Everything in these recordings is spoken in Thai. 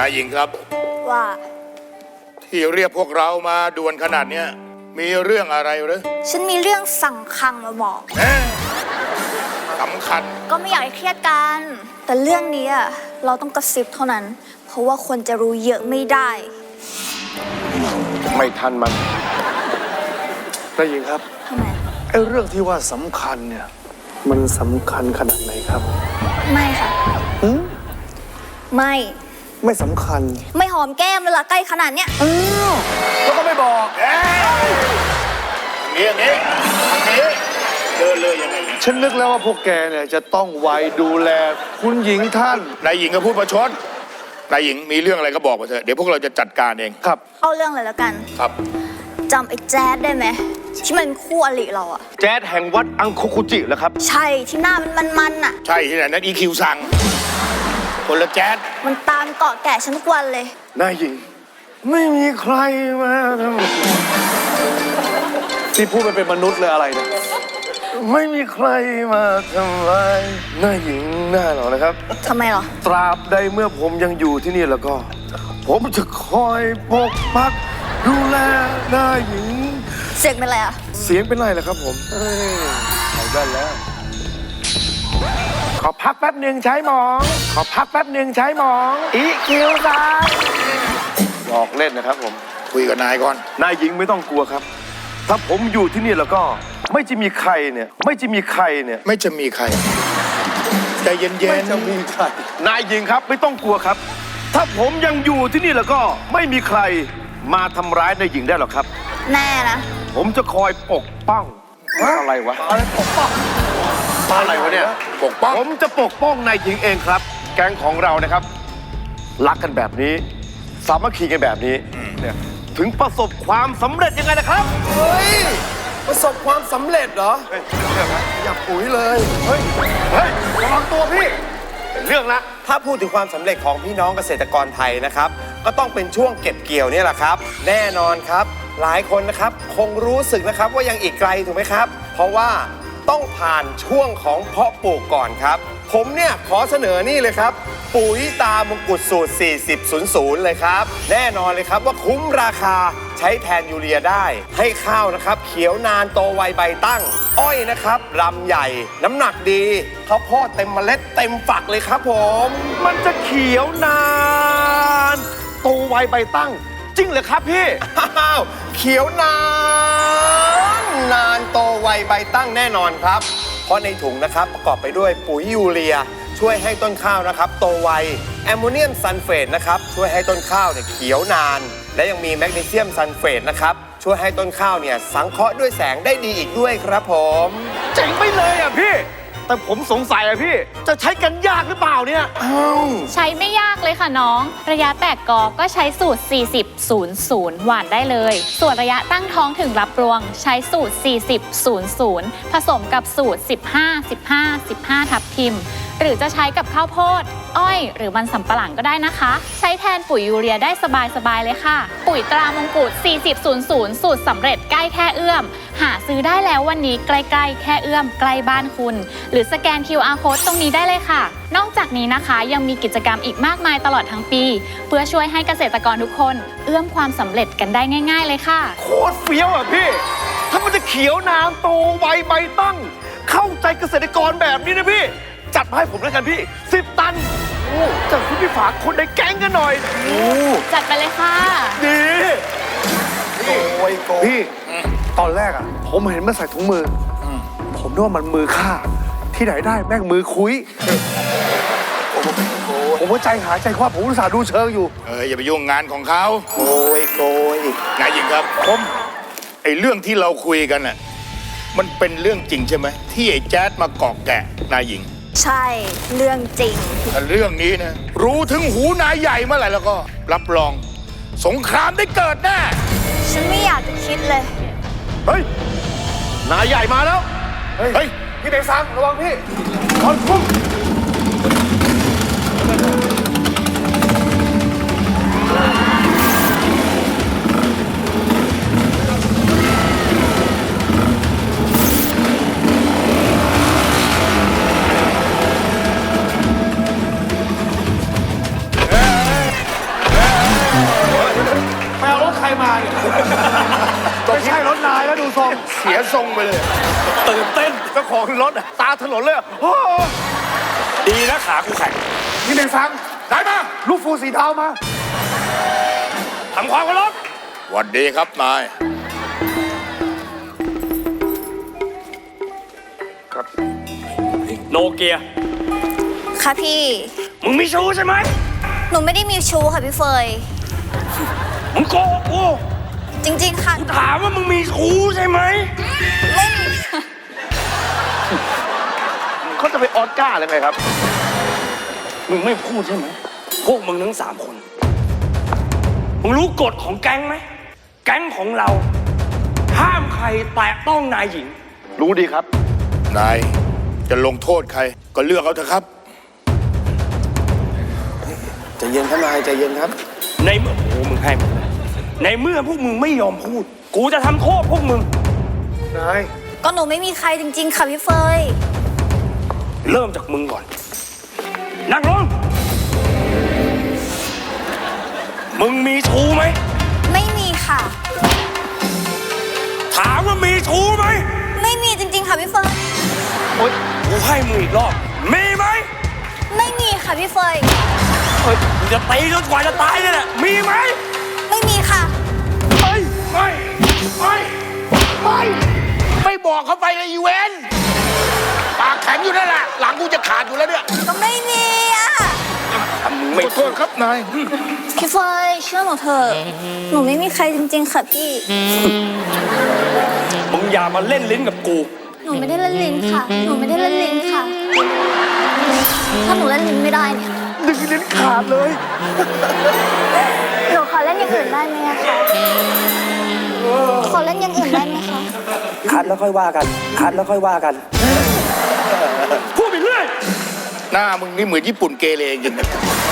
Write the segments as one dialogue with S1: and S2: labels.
S1: ายหญิงครับ
S2: ว่า
S1: ที่เรียกพวกเรามาด่วนขนาดเนี้ยมีเรื่องอะไรหรือ
S2: ฉันมีเรื่องสั่งคังมาบอก
S1: สำคัญ
S2: ก็ไม่อยากให้เครียดกันแต่เรื่องนี้เราต้องกระซิบเท่านั้นเพราะว่าคนจะรู้เยอะไม่ได้
S3: ไม่ทันมันนายหญิงครับ
S2: ทำไม
S3: ไอ้เรื่องที่ว่าสำคัญเนี่ยมันสำคัญขนาดไหนครับ
S2: ไม่ค่ะไม่
S3: สำคัญ
S2: ไม่หอมแก้มเลยล่ะใกล้ขนาดเนี้ย
S3: แล้วก็ไม่บอก
S1: นี่เดินเลยยังไง
S3: ฉันนึกแล้วว่าพวกแกเนี่ยจะต้องไว้ดูแลคุณหญิงท่าน
S1: นายหญิงก็พูดประชดนายหญิงมีเรื่องอะไรก็บอกมาเถอะเดี๋ยวพวกเราจะจัดการเอง
S3: ครับ
S2: เอาเรื่องเลยแล้วกัน
S1: ครับ
S2: จำไอ้แจ๊ดได้ไหมที่มันคู่อริเราอะ
S3: แจ๊ดแห่งวัดอังคุคุจิแล้วครับ
S2: ใช่ที่หน้ามันอะ
S1: ใช่ที่ไหนนั้นอีคิวสั่งคนละแจ๊ด
S2: มันตามเกาะแกะฉันทุกวันเลย
S3: นายหญิงไม่มีใครมาทำที่พูดไปเป็นมนุษย์เลยอะไรเนี่ยไม่มีใครมาทำร้ายนายหญิงหน้าหรอกนะครับ
S2: ทำไมหรอ
S3: ตราบใดเมื่อผมยังอยู่ที่นี่แล้วก็ผมจะคอยปกปักดูแลนายหญิง
S2: เสียงเป็นไรอะ
S3: เสียงเป็นไรล่ะครับผมเอาได้แล้วขอพักแป๊บหนึ่งใช้หมองขอพักแป๊บหนึ่งใช้หมองอีคิวซ่าหลอกเล่นนะครับผม
S1: คุยกับนายก่อน
S3: นายหญิงไม่ต้องกลัวครับถ้าผมอยู่ที่นี่แล้วก็ไม่จะมีใครเนี่ยไม่จะมีใคร
S1: ใจเย็นๆ
S3: ไม่จะมีใครนายหญิงครับไม่ต้องกลัวครับถ้าผมยังอยู่ที่นี่แล้วก็ไม่มีใครมาทำร้ายนายหญิงได้หรอกครับ
S2: แน่นะ
S3: ผมจะคอยปกป้องอะไรวะอะไรปกป้องอะไรวะเนี่ย
S1: ปกป้อง
S3: ผมจะปกป้องนายหญิงเองครับแก๊งของเรานะครับรักกันแบบนี้สามัคคีกันแบบนี้เนี่ยถึงประสบความสำเร็จยังไงนะครับ
S4: เฮ้ยประสบความสำเร็จเหรออย่าปุ๋ยเลย
S3: เฮ้ยระวังตัวพี่เรื่องละ
S4: ถ้าพูดถึงความสำเร็จของพี่น้องเกษตรกรไทยนะครับก็ต้องเป็นช่วงเก็บเกี่ยวนี่แหละครับแน่นอนครับหลายคนนะครับคงรู้สึกนะครับว่ายังอีกไกลถูกไหมครับเพราะว่าต้องผ่านช่วงของเพาะปลูกก่อนครับผมเนี่ยขอเสนอนี่เลยครับปุ๋ยตามงกุฎสูตร 4000 เลยครับแน่นอนเลยครับว่าคุ้มราคาใช้แทนยูเรียได้ให้ข้าวนะครับเขียวนานโตไวใบตั้งอ้อยนะครับลำใหญ่น้ำหนักดีข้าวโพดเต็มเมล็ดเต็มฝักเลยครับผม
S3: มันจะเขียวนานโตไวใบตั้งจริงเหรอครับพี่
S4: เขียวนานโตไวใบตั้งแน่นอนครับเพราะในถุงนะครับประกอบไปด้วยปุ๋ยยูเรียช่วยให้ต้นข้าวนะครับโตไวแอมโมเนียมซัลเฟตนะครับช่วยให้ต้นข้าวเนี่ยเขียวนานและยังมีแมกนีเซียมซัลเฟตนะครับช่วยให้ต้นข้าวเนี่ยสังเคราะห์ด้วยแสงได้ดีอีกด้วยครับผม
S3: เจ๋งไปเลยอ่ะพี่แต่ผมสงสัยอ่ะพี่จะใช้กันยากหรือเปล่าเนี่ย
S5: ใช้ไม่ยากเลยค่ะน้องระยะแตกกอก็ใช้สูตร 40-00 หว่านได้เลยส่วนระยะตั้งท้องถึงรับรวงใช้สูตร 40-00 ผสมกับสูตร 15-15-15 ทับทิมหรือจะใช้กับข้าวโพดอ้อยหรือมันสำปะหลังก็ได้นะคะใช้แทนปุ๋ยยูเรียได้สบายๆเลยค่ะปุ๋ยตรามงกุฎ 40-00 สูตรสำเร็จใกล้แค่เอื้อมหาซื้อได้แล้ววันนี้ใกล้ๆแค่เอื้อมใกล้บ้านคุณหรือสแกน QR Code ตรงนี้ได้เลยค่ะนอกจากนี้นะคะยังมีกิจกรรมอีกมากมายตลอดทั้งปีเพื่อช่วยให้เกษตรกรทุกคนเอื้อมความสำเร็จกันได้ง่ายๆเลยค่ะ
S3: โคตรเฟี้ยวอ่ะพี่ถ้ามันจะเขียวนานโตไวใบตั้งเข้าใจเกษตรกรแบบนี้นะพี่จัดมาให้ผมแล้วกันพี่10 ตันจากคุณพี่ฝากคนในแก๊งกันหน่อย
S5: จัดไปเลยค่ะ
S3: ดีพี่ตอนแรกอ่ะผมเห็นมันใส่ถุงมือผมนึกว่ามันมือฆ่าที่ไหนได้แม่งมือคุยผมว่าใจหายใจคว่ำผมอุตส่าห์ดูเชิงอยู่
S1: อย่าไปยุ่งงานของเขา
S4: โกย
S1: นายหญิงครับผมไอ้เรื่องที่เราคุยกันน่ะมันเป็นเรื่องจริงใช่ไหมที่ไอ้แจ๊ดมาเกาะแกะนายหญิง
S2: ใช่เรื่องจริง
S1: แต่เรื่องนี้นะรู้ถึงหูนายใหญ่เมื่อไหร่แล้วก็รับรองสงครามได้เกิดแน่
S2: ฉันไม่อยากจะคิดเลย
S3: เฮ้ยนายใหญ่มาแล้วเฮ้ยพี่เด็กซังระวังพี่คอนฟุ้งงานไม่ใช่รถนายแล้วดูทรง
S1: เสียทรงไปเลย
S3: ตื่นเต้นเจ้าของรถอะตาถลนเลยอะโอ้โห
S6: ดีนะขากูแข็ง
S1: นี่เป็นฟังได้มา
S3: ลูกฟูสีดาวมา
S6: ทำความเคารพ
S1: หวัสดีครับนาย
S6: โนเกีย
S2: ค่ะพี่
S6: มึงมีชู้ใช่ไหม
S2: หนูไม่ได้มีชู้ค่ะพี่เฟย
S6: มึงโกหกกู
S2: จริงๆค่ะ
S6: ถามว่ามึงมีชู้ใช่ไหม
S2: ไม่มีค่ะ
S3: เขาจะไปออสการ์เลยไงครับ
S6: มึงไม่พูดใช่ไหม พวกมึงทั้ง3 คน มึงรู้กฎของแก๊งไหม แก๊งของเรา ห้ามใครแตะต้องนายหญิง
S3: รู้ดีครับ
S1: นายจะลงโทษใคร ก็เลือกเอาเถอะครับ
S4: ใจเย็นครับนายใจเย็นครับ
S6: ในเมื่อโอ้มึงให้หมดเลยในเมื่อพวกมึงไม่ยอมพูด กูจะทำโทษพวกมึง
S3: นาย
S2: ก็หนูไม่มีใครจริง ๆ ค่ะพี่เฟย
S6: เริ่มจากมึงก่อน นั่งลง มึงมีชู้ไหม
S2: ไม่มีค่ะ
S6: ถามว่ามีชู้ไหม
S2: ไม่มีจริง ๆ ค่ะพี่เฟย
S6: โอ๊ยกูให้มึงอีกรอบ มีไหม
S2: ไม่มีค่ะพี่เฟย
S6: เฮ้ยมึงจะตีจนกว่าจะตายเลยแหละ มีไหม
S2: ไม่มีค่ะ
S1: ไม่บอกเขาไปเลยอีเวนปากแข็งอยู่นั่นแหละ หลังกูจะขาดอยู่แล้วเนี่ย
S2: ก็ไม่มีอ่ะ
S1: ขอโทษครับนาย
S2: พี่เฟยเชื่อหนูเถอะ หนูไม่มีใครจริง ๆ ค่ะพี่
S6: มึงอย่ามาเล่นลิ้นกับกู
S2: หนูไม่ได้เล่นลิ้นค่ะ หนูไม่ได้เล่นลิ้นค่ะ ถ้าหนูเล่นลิ้นไม่ได้เนี่ย
S3: ดึงลิ้นขาดเลย
S2: หนูขอเล่นอย่างอื่นได้ไหมอะคะขอเล่นอย่างอื่นได้ไหมคะ
S4: คัดแล้วค่อยว่ากัน คัดแล้วค่อยว่ากัน
S6: พูดไปเรื่อย
S1: หน้ามึงนี่เหมือนญี่ปุ่นเกเรจริงนะ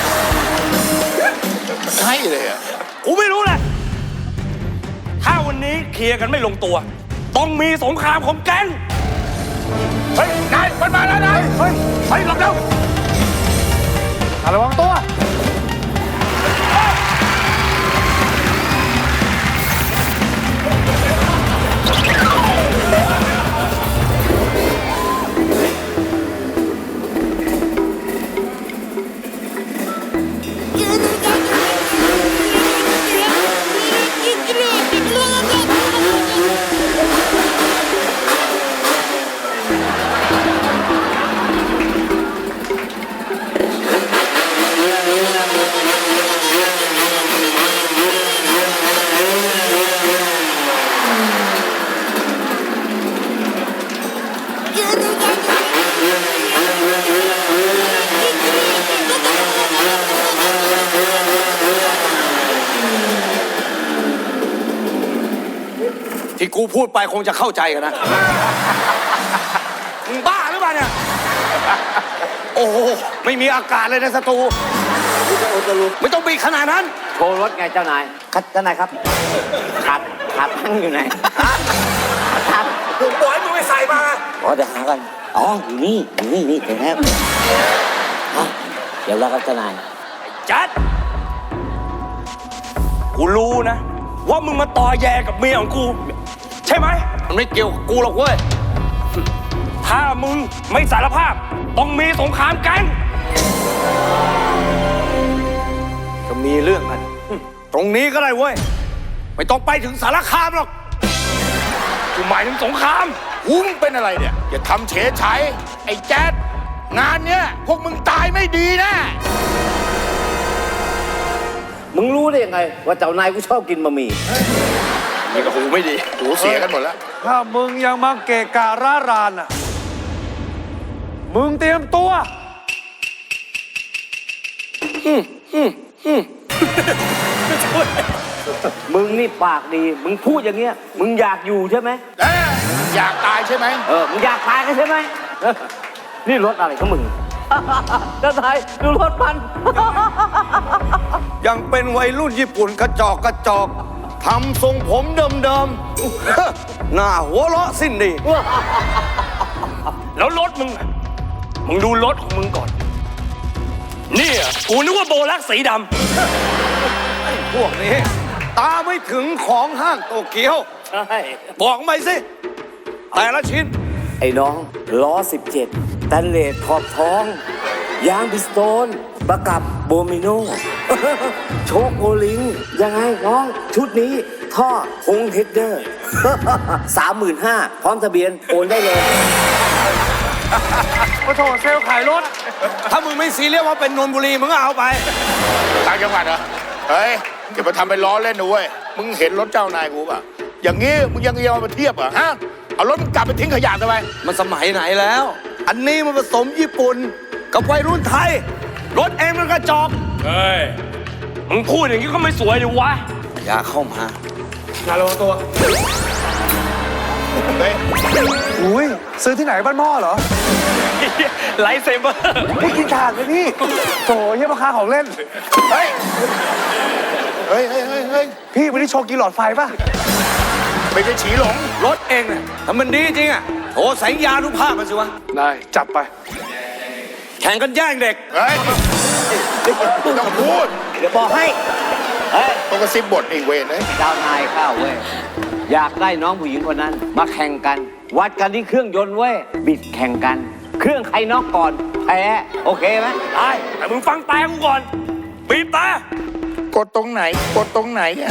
S1: ใช่เลยอ่ะ
S6: กูไม่รู้แหละ ถ้าวันนี้เคลียร์กันไม่ลงตัว ต้องมีสงครามของแก๊ง
S1: เฮ้ย นายมันมาแล้วนาย
S3: เฮ้ยไปหลบเร็วระวังตัว
S6: ที่กูพูดไปคงจะเข้าใจกันนะ มึงบ้าหรือเปล่าเนี่ย โอ้โห ไม่มีอากาศเลยในสตูไม่ต้องบีบขนาดนั้น
S7: โชว์รถไงเจ้านายครับเจ้านายครับขาตั้งอยู่ไหนครับ
S6: กูบอกให้มึงไปใส่มา
S7: อ๋อเดี๋ยวหากันอ๋ออยู่นี่เดี๋ยวนะครับอ๋อเดี๋ยวแล้วครับเจ้านาย
S6: จัด กูรู้นะ ว่ามึงมาต่อแยกับเมียของกู ใช่ไหม มันไม่เกี่ยวกับกูหรอกเว้ย ถ้ามึงไม่สารภาพ ต้องมีสงครามแก๊ง
S3: จะมีเรื่องกัน
S6: ตรงนี้ก็ได้เว้ย ไม่ต้องไปถึงสารคามหรอก กูหมายถึงสงคราม
S1: หูมึงเป็นอะไรเนี่ย อย่าทำเฉยชัยไอ้แจ๊ดงานเนี้ยพวกมึงตายไม่ดีนะ
S7: มึงรู้ได้ยังไง ว่าเจ้านายกูชอบกินบะหมี่
S6: นี่ก็หูไม่ดี
S1: หูเสียกันหมดแล้ว
S3: ถ้ามึงยังมาเกะการ้ารานอ่ะ มึงเตรียมตัว
S7: มึงนี่ปากดี มึงพูดอย่างเงี้ย มึงอยากอยู่ใช่ไหม
S1: อยากตายใช่ไหม
S7: มึงอยากตายกันใช่ไหม นี่รถอะไรของมึง เจ้านายดูรถมัน
S3: ยังเป็นวัยรุ่นญี่ปุ่นกระจอกทำทรงผมเดิมๆ หน้าหัวเราะสิ้นดี
S6: แล้วรถมึงอะมึงดูรถของมึงก่อน เนี่ยกูนึกว่าโบลักสีดำ
S3: พวกนี้
S6: ตาไม่ถึงของห้างโตเกียว
S7: ใช่
S6: บอกมาสิ แต่ละชิ้น
S7: ไอ้น้องล้อ 17 ตันเลสขอบท้อง ยางบิสโตน ประกับโบมิโน โชคโอลิง ยังไงน้อง ชุดนี้ ท่อคงเฮดเดอร์ 35,000พร้อมทะเบียน โอนได้เลย
S3: มาโถเซลล์ขายรถ
S6: ถ้ามึงไม่ซีเรียสว่าเป็นนนบุรีมึงก็เอาไป
S1: ต่างจังหวัดเหรอ เฮ้ยอย่ามาทำเป็นล้อเล่นนะเว้ย มึงเห็นรถเจ้านายกูป่ะ อย่างงี้มึงยังเอามาเทียบเหรอฮะ เอารถมึงกลับไปทิ้งขยะทำไม
S6: มันสมัยไหนแล้ว อันนี้มันผสมญี่ปุ่น กับวัยรุ่นไทย รถเองมันกระจอก
S3: เฮ้ย มึงพูดอย่างนี้ก็ไม่สวยดิวะ
S6: อย่าเข้ามา
S3: งานระวังตัว
S1: เฮ้ย
S3: อุ้ยซื้อที่ไหนบ้านหม้อเหรอ ไลท์เซเบอร์ พี่กินถ่านไหมพี่โถเยี่ยมราคาของเล่น
S1: เฮ้ย เฮ้ย เฮ้ย เฮ้ย
S3: พี่วันนี้โชว์กินหลอดไฟป่ะ
S1: ไม่ใช่ฉีหลง
S6: รถเองเนี่ยถ้ามันดีจริงอ่ะโทรสัญญานุภาพมันสิวะ
S3: ได้ จับไป
S6: แข่งกันแย่งเด็ก
S1: เฮ้ยไม่ต้องพูด
S7: เดี๋ยวบอกให้ เฮ้ย
S1: ต้องกระซิบบทไอ้เวรเฮ้ย
S7: เจ้านายข้าวเว้ย อยากได้น้องผู้หญิงคนนั้น มาแข่งกัน วัดกันที่เครื่องยนต์เว้ย บิดแข่งกัน เครื่องใครนอกก่อน แพ้ โอเคไหม
S3: ได้แต่มึงฟังแต่กูก่อน บีบแต่
S1: กดตรงไหน กดตรงไหนอะ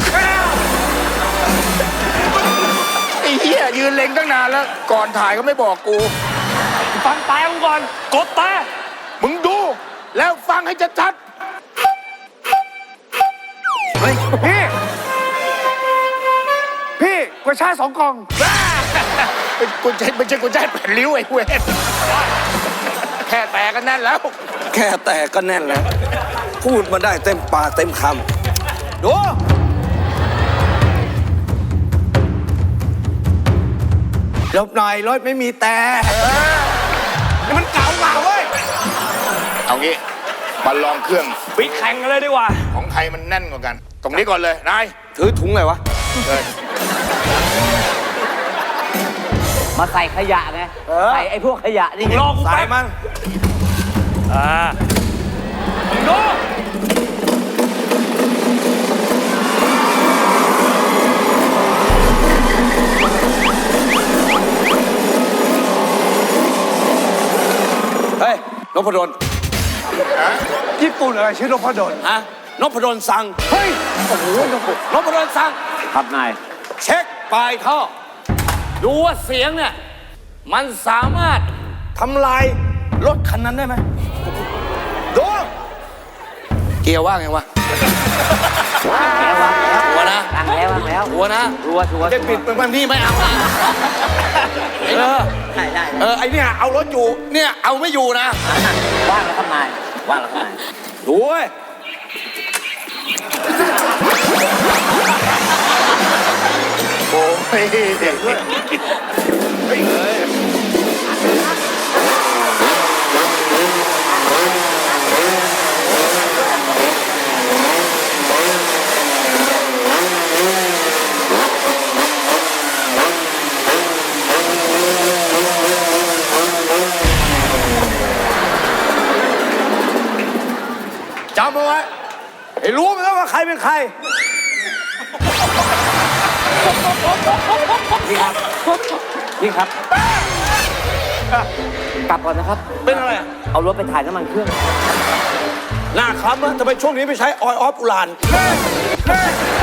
S1: ไอ้เหี้ยยืนเล็งตั้งนานแล้ว ก่อนถ่ายก็ไม่บอกกู
S3: ฟังแต่กูก่อน กดแต่
S1: มึงดู แล้วฟังให้ชัด
S3: เฮ้ย พี่กระชาย2 กล่อง
S1: ๆเป็นกุญแจไม่ใช่กุญแจแผ่นริ้วไอ้เวรแค่แตกกันแน่นแล้ว
S6: แค่แต่ก็แน่นแล้ว พูดมาได้เต็มปากเต็มคำดู ลบหน่อยรถไม่มีแต่
S3: นี่มันเก่าเว้ย
S1: เอางี้มาลองเครื่อง
S3: บิ๊กแข่งกันเลยดีกว่า
S1: ของใครมันแน่นกว่ากัน ตรงนี้ก่อนเลย นาย
S6: ถือถุงเลยวะ
S1: เฮ้ย
S7: มาใส่ขยะไง ใส่ไอ้พวกขยะนี่ไง
S3: รอกู
S6: สา
S3: แป๊
S6: ย
S3: บ
S6: มัน
S3: มึงดู
S6: เฮ้ย นพดล
S3: ญี่ปุ่นอะไรชื่อนพดล
S6: ฮะ นพดลสั่ง
S3: เฮ้ย โอ้โห
S6: นพดลสั่ง
S7: ครับนาย
S6: เช็คปลายท่อ ดูว่าเสียงเนี่ย มันสามารถทำลายรถคันนั้นได้ไหมดู เกียร์ว่าไงวะ
S7: แล้ววางแล้ว
S6: หัวนะ
S7: วางแล้ววางแล้ว
S6: หัวนะ
S7: รัวชัวร์
S6: จะปิดเป็นพี่ไม่เอานะ
S7: ได้
S6: ไอเนี่ยเอารถอยู่ เนี่ยเอาไม่อยู่นะ
S7: ว่างแล้วครับนาย ว่างแล้วครับนาย
S6: ดูเว้ย
S1: โอ้ยจำเอาไว้
S6: ไอ้รู้ไหมว่าใครเป็นใคร
S7: พี่ครับ กลับก่อนนะครับ
S6: เป็นอะไรอะ
S7: เอารถไปถ่ายน้ำมันเครื่อง
S6: หน้าคล้ำนะทำไมช่วงนี้ไม่ใช้ออยล์ออฟอุลาน
S3: เฮ้ย